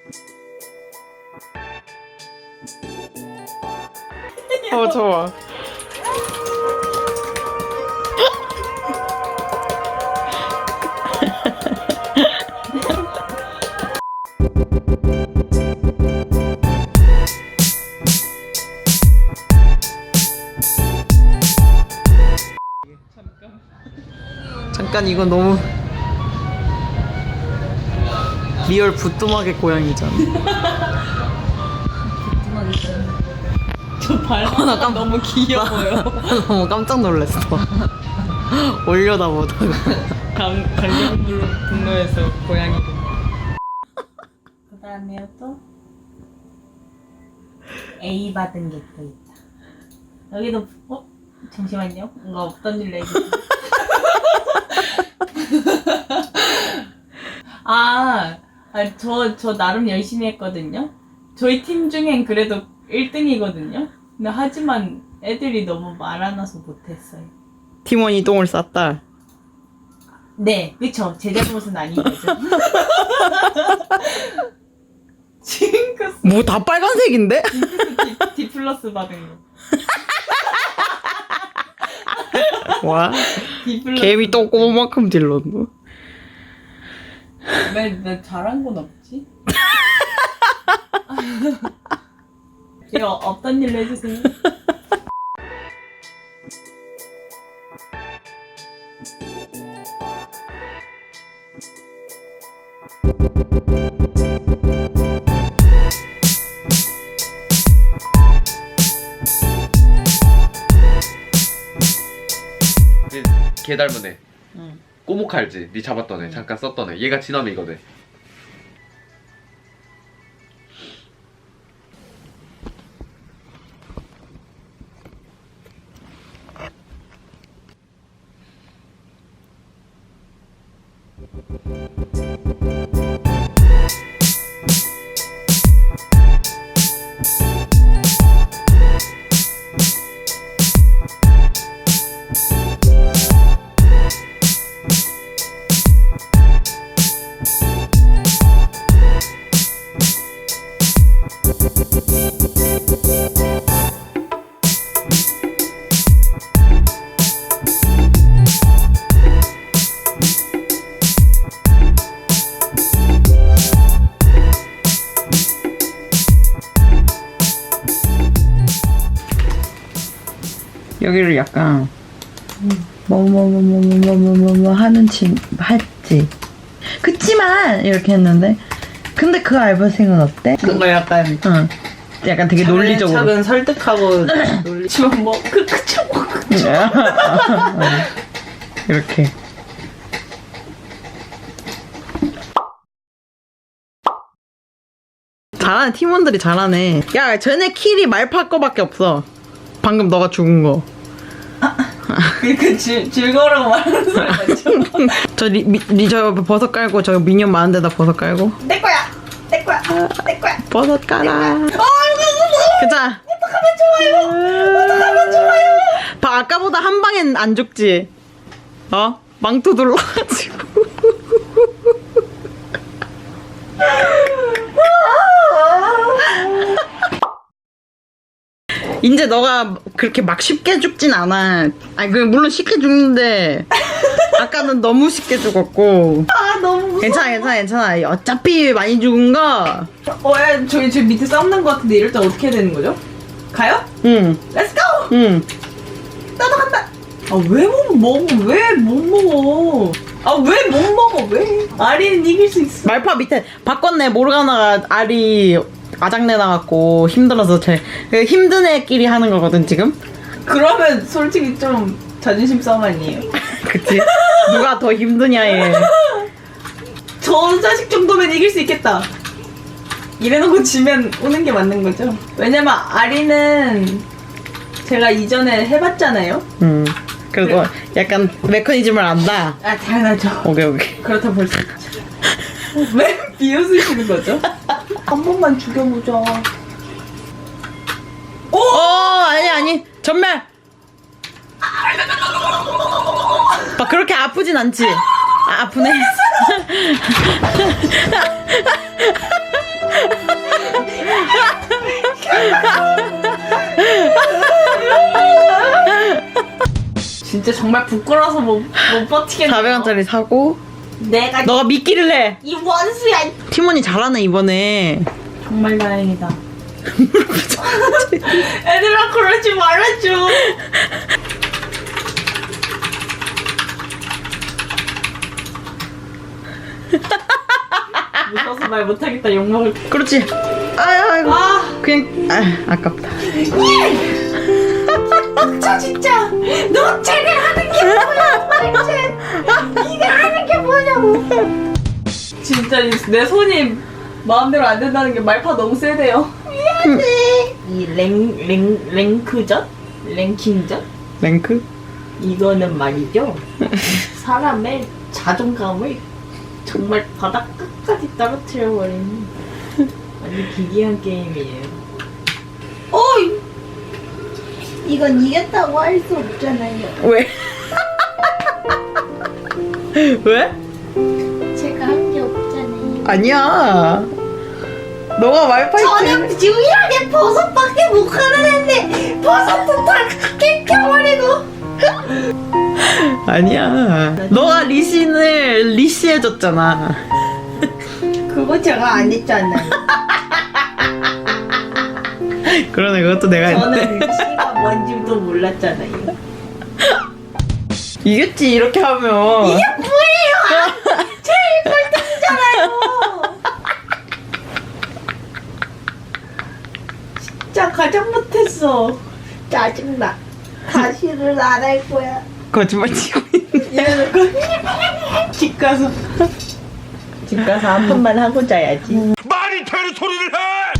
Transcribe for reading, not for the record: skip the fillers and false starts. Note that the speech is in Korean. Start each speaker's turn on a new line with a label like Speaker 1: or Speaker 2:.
Speaker 1: 좋아. 잠깐 이거 너무 리얼 부뚜막의 고양이잖아.
Speaker 2: 저 발바닥 너무 귀여워요.
Speaker 1: 너무 깜짝 놀랐어. 올려다 보다가.
Speaker 2: 강경분노에서 고양이. 그 다음에 또 A 받은 게 또 있다. 여기도 잠시만요. 뭔가 없던 일로 해주세요. 저 나름 열심히 했거든요. 저희 팀 중엔 그래도 1등이거든요. 근데 하지만 애들이 너무 많아서 못했어요.
Speaker 1: 팀원이 똥을 쌌다.
Speaker 2: 네, 그쵸. 제 잘못은 아닌 거죠. 징크스.
Speaker 1: 뭐 다 빨간색인데?
Speaker 2: D 플러스 받은 거.
Speaker 1: 와.
Speaker 2: D 플러스.
Speaker 1: 개미 똥꼬만큼 질렀노.
Speaker 2: 왜 나 잘한 건 없지? 이거 없던 일로 해주세요.
Speaker 3: 걔 닮은 애.
Speaker 1: 응.
Speaker 3: 꼬목 알지? 니 잡았던 애. 잠깐 썼던 애. 얘가 진화미거든.
Speaker 1: 여기를 약간 뭐뭐뭐뭐뭐뭐뭐 하는 할지. 그치만 이렇게 했는데 근데 그 알바생은 어때?
Speaker 2: 뭔가 약간
Speaker 1: 응. 약간 되게 논리적으로.
Speaker 2: 차근 설득하고 놀리지만 뭐 그쵸.
Speaker 1: 이렇게. 잘하네. 팀원들이 잘하네. 야, 쟤네 킬이 말파 거밖에 없어. 방금 너가 죽은 거.
Speaker 2: 그 즐거우라고 말하는 소리 맞죠?
Speaker 1: 저 버섯 깔고 저 미니언 많은 데다 버섯 깔고.
Speaker 2: 내 거야! 내 거야! 내 거야!
Speaker 1: 버섯 깔아. 그자.
Speaker 2: 어떡하면 좋아요! 어떡하면 좋아요!
Speaker 1: 아까보다 한 방엔 안 죽지. 망토 눌러가지고. 이제 너가 그렇게 막 쉽게 죽진 않아. 아니 물론 쉽게 죽는데 아까는 너무 쉽게 죽었고.
Speaker 2: 너무 무서워.
Speaker 1: 괜찮아. 어차피 많이 죽은 거.
Speaker 2: 야, 저기 밑에 싸우는 거 같은데 이럴 때 어떻게 해야 되는 거죠? 가요?
Speaker 1: 응.
Speaker 2: 렛츠 고!
Speaker 1: 응.
Speaker 2: 나도 간다! 왜 못 먹어? 왜 못 먹어? 왜 못 먹어? 왜? 아리는 이길 수 있어.
Speaker 1: 말파 밑에 바꿨네. 모르가나가 알이 아작내 나갖고 힘들어서 힘든 애끼리 하는 거거든 지금.
Speaker 2: 그러면 솔직히 좀 자존심 싸움 아니에요?
Speaker 1: 그치? 누가 더 힘드냐에.
Speaker 2: 저 자식 정도면 이길 수 있겠다. 이래놓고 지면 오는 게 맞는 거죠. 왜냐면 아리는 제가 이전에 해봤잖아요.
Speaker 1: 그리고 약간 메커니즘을 안다.
Speaker 2: 당연하죠.
Speaker 1: 오케이.
Speaker 2: 그렇다 볼 수 있죠. 왜 비웃으시는 거죠? 한 번만 죽여보자.
Speaker 1: 아니 전멸. 막 그렇게 아프진 않지. 아프네.
Speaker 2: 정말 부끄러워서 못 버티겠네.
Speaker 1: 400원짜리 사고
Speaker 2: 내가
Speaker 1: 너가 미끼를 해.
Speaker 2: 이 원수야.
Speaker 1: 티몬이 잘하네 이번에.
Speaker 2: 정말 다행이다. 애들아 그러지 말아줘. 무서워서 말 못하겠다. 욕먹을.
Speaker 1: 그렇지. 아이고.
Speaker 2: 아
Speaker 1: 그냥 아깝다.
Speaker 2: 저 진짜 너 쟤네 하는 게 뭐야 도대체. 네가 하는 게 뭐냐고. 진짜 내 손이 마음대로 안 된다는 게 말파 너무 세대요. 미안해. 이 랭크전? 랭킹전?
Speaker 1: 랭크?
Speaker 2: 이거는 말이죠. 사람의 자존감을 정말 바닥 끝까지 떨어뜨려버리는 아주 기괴한 게임이에요. 어이! 이건 이겼다고 할 수 없잖아요.
Speaker 1: 왜? 왜?
Speaker 2: 제가 한 게 없잖아요.
Speaker 1: 아니야. 너가 말파이트.
Speaker 2: 저는 유일하게 버섯밖에 못 가는데 버섯도 다 깨켜버리고.
Speaker 1: 아니야. 너가 리신을 리시해줬잖아.
Speaker 2: 그거 제가 안 했잖아요.
Speaker 1: 그러네, 그것도 내가 했는데.
Speaker 2: 저는 씨가 뭔지도 몰랐잖아요.
Speaker 1: 이겼지, 이렇게 하면.
Speaker 2: 이게 뭐예요? 제일 꼴등이잖아요. 진짜 가장 못했어. 짜증나. 다시는 안 할 거야.
Speaker 1: 거짓말 치고 있네.
Speaker 2: 이래놓고 집 가서 한 번만 하고 자야지.
Speaker 4: 말이 되는 소리를 해!